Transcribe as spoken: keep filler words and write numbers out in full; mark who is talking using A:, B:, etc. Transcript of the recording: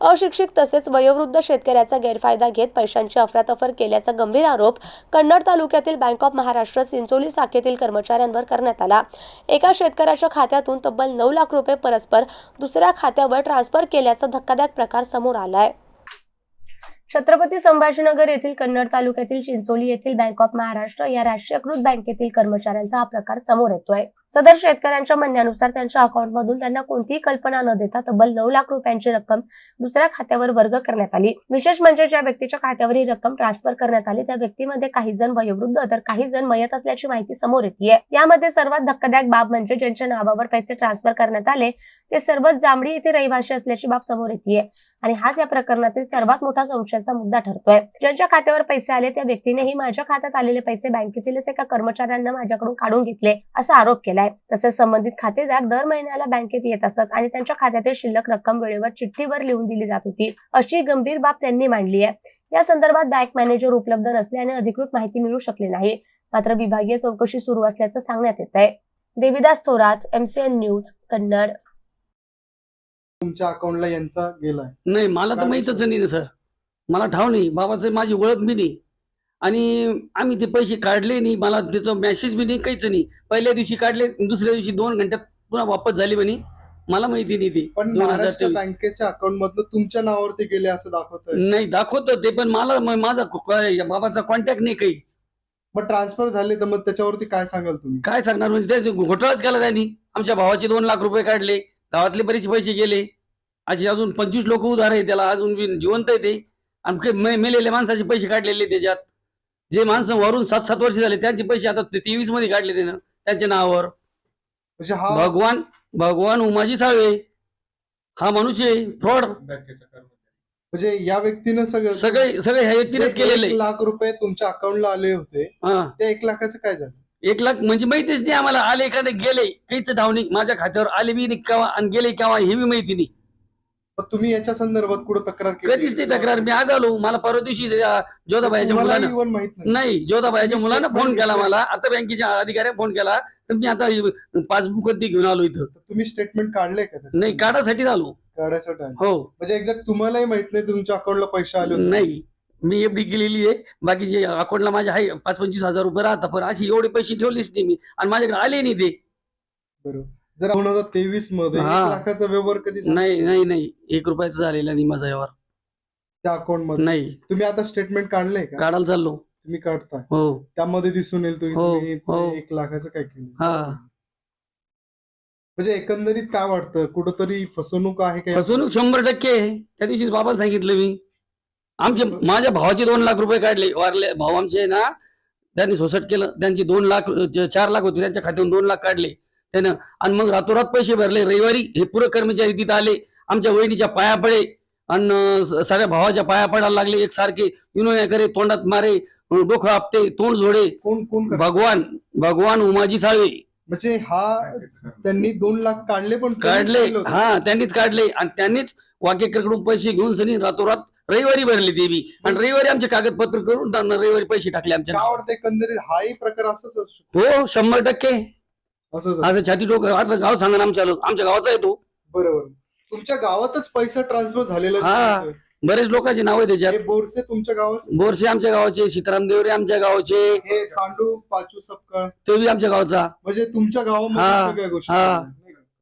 A: अशिक्षित तसेच वयोवृद्ध शेतकऱ्याचा गैरफायदा घेत पैशांची अफरातफर केल्याचा गंभीर आरोप कन्नड तालुक्यातील बँक ऑफ महाराष्ट्र चिंचोली शाखेतील कर्मचाऱ्यांवर करण्यात आला। एका शेतकऱ्याच्या खात्यातून तब्बल नऊ लाख रुपये परस्पर दुसऱ्या खात्यावर ट्रान्सफर केल्याचा धक्कादायक प्रकार समोर आलाय। छत्रपती संभाजीनगर येथील कन्नड तालुक्यातील चिंचोली येथील बँक ऑफ महाराष्ट्र या राष्ट्रीयकृत बँकेतील कर्मचाऱ्यांचा हा प्रकार समोर येतोय। सदर शेतकऱ्यांच्या म्हणण्यानुसार त्यांच्या अकाउंटमधून त्यांना कोणतीही कल्पना न देता तब्बल नऊ लाख रुपयांची रक्कम दुसऱ्या खात्यावर वर्ग करण्यात आली। विशेष म्हणजे ज्या व्यक्तीच्या खात्यावर ही रक्कम ट्रान्सफर करण्यात आली त्या व्यक्तीमध्ये काही जण वयोवृद्ध तर काही जण मयत असल्याची माहिती समोर येते। यामध्ये सर्वात धक्कादायक बाब म्हणजे ज्यांच्या नावावर पैसे ट्रान्सफर करण्यात आले ते सर्वच जांभळी येथे रहिवासी असल्याची बाब समोर येते आणि हाच या प्रकरणातील सर्वात मोठा संशयाचा मुद्दा ठरतोय। ज्यांच्या खात्यावर पैसे आले त्या व्यक्तीनेही माझ्या खात्यात आलेले पैसे बँकेतीलच एका कर्मचाऱ्यांना माझ्याकडून काढून घेतले असा आरोप केलाय। तसेच संबंधित खातेदार दर महिन्याला बँकेत येत असत आणि त्यांच्या खात्यातील शिल्लक रक्कम वेळेवर चिठ्ठीवर लिहून दिली जात होती अशी गंभीर बाब त्यांनी मांडली आहे। या संदर्भात बँक मॅनेजर उपलब्ध नसल्याने अधिकृत माहिती मिळू शकली नाही, मात्र विभागीय चौकशी सुरू असल्याचं सांगण्यात येत आहे। Devidas Thorat, MCN news, Kannad.
B: तुमच्या अकाउंटला यांचा गेलाय?
C: नाही, मला तर माहितच नाही सर, मला ठाव नाही, बाबाचं माझी ओळख बी नाही आणि आम्ही ते पैसे काढले नाही, मला त्याचा मेसेज बी नाही, काहीच नाही। पहिल्या दिवशी काढले, दुसऱ्या दिवशी दोन घंट्यात पुन्हा वापस झाले म्हणे, मला माहिती नाही ते।
B: पण महाराष्ट्र बँकेच्या अकाउंट मधनं तुमच्या नावावरती गेले असं दाखवतंय?
C: नाही दाखवतं ते, पण मला माझा बाबाचा कॉन्टॅक्ट नाही काही।
B: मग ट्रान्सफर झाले तर मग त्याच्यावरती काय सांगाल तुम्ही?
C: काय सांगणार, म्हणजे त्याचे घोटाळाच केला त्यांनी। आमच्या भावाचे दोन लाख रुपये काढले, गावातले बरेच पैसे गेले, असे अजून पंचवीस लोक उधार आहे त्याला, अजून जिवंत आहे ते। आणि मेलेल्या माणसाचे पैसे काढलेले त्याच्यात, जे माणसं वरून सात सात वर्ष झाले त्यांचे पैसे आता तेवीस मध्ये काढले त्यानं त्यांच्या नावावर।
B: म्हणजे हा
C: भगवान भगवान उमाजी साळवे हा मनुष्य फ्रॉड,
B: म्हणजे या व्यक्तीनं सगळं
C: सगळे सगळे ह्या व्यक्तीनेच केलेले।
B: एक लाख रुपये तुमच्या अकाउंटला आले होते, त्या एक लाखाचं काय झालं?
C: एक लाख म्हणजे माहितीच नाही आम्हाला, आले का गेले काहीच ठाव नाही। माझ्या खात्यावर आले बी नाही केव्हा आणि गेले केव्हा हे बी माहिती नाही।
B: तुम्ही याच्या संदर्भात कुठं तक्रार केली?
C: कधीच नाही तक्रार, मी आज आलो, मला परवा दिवशी जोधाबाईच्या मुलानं नाही जोधाबाईच्या मुलानं फोन केला मला, आता बँकेच्या अधिकाऱ्याने फोन केला, तर मी आता पासबुक घेऊन आलो इथं।
B: तुम्ही स्टेटमेंट काढले का?
C: नाही, काढासाठी आलो।
B: काढायसाठी?
C: हो।
B: म्हणजे एक्झॅक्ट तुम्हालाही माहित नाही तुमच्या अकाउंटला पैसे आले?
C: नाही, मी एफडी केलेली आहे, बाकीचे अकाउंटला माझ्या आहे पाच पंचवीस हजार रुपये राहतात, पण अशी एवढे पैसे ठेवलेच नाही मी आणि माझ्याकडे आले नाही ते।
B: बरोबर। जर दोन हजार तेवीस मध्ये एक लाखाचा व्यवहार कधी?
C: नाही नाही नाही, एक रुपयाचा झालेला नाही माझा व्यवहार
B: त्या अकाउंट मध्ये। नाही, तुम्ही आता स्टेटमेंट काढलंय का?
C: काढायला चाललो।
B: तुम्ही काढताय?
C: हो।
B: त्यामध्ये दिसून येईल तुम्ही एक लाखाचं काय केलं?
C: हा।
B: म्हणजे एकंदरीत काय वाटतं, कुठंतरी फसवणूक आहे का?
C: फसवणूक शंभर टक्के आहे। त्या दिवशी बाबाला सांगितलं मी, आमचे माझ्या भावाचे दोन लाख रुपये काढले, वारले भाऊ आमचे ना, त्यांनी सोसट केलं, त्यांची दोन लाख चार लाख होते त्यांच्या खात्यातून दोन लाख काढले त्यानं आणि मग रातोरात पैसे भरले। रविवारी हे पुरे कर्मचारी तिथं आले, आमच्या वहिनीच्या पाया पडे आणि सगळ्या भावाच्या पाया पडायला लागले एकसारखे, विनोया करे, तोंडात मारे, डोकं आपटे, तोंड जोडे।
B: कोण कोण?
C: भगवान भगवान उमाजी साळवे।
B: म्हणजे हा त्यांनी दोन लाख काढले? पण
C: काढले, हा त्यांनीच काढले आणि त्यांनीच वाकेकरकडून पैसे घेऊन सनी रातोरात रविवारी भरले ते बी, आणि रविवारी आमचे कागदपत्र करून त्यांना रविवारी पैसे टाकले आमच्या।
B: काय वाटतं एकंदरीत हाही प्रकार असंच असतो?
C: हो, शंभर टक्के असं छाती टोक गाव सांगा ना, आमच्या आमच्या गावाचा आहे तो। बरोबर।
B: तुमच्या गावातच पैसा ट्रान्सफर झालेला?
C: हा, बरेच लोकांची नाव आहे त्याच्यात।
B: बोरसे तुमच्या गावाचे?
C: बोरसे आमच्या गावाचे, सीताराम देवरे आमच्या गावाचे,
B: हे सांडू पाचू सपकाळ
C: ते बी आमच्या गावचा।
B: म्हणजे तुमच्या गावामध्ये सगळ्या गोष्टी?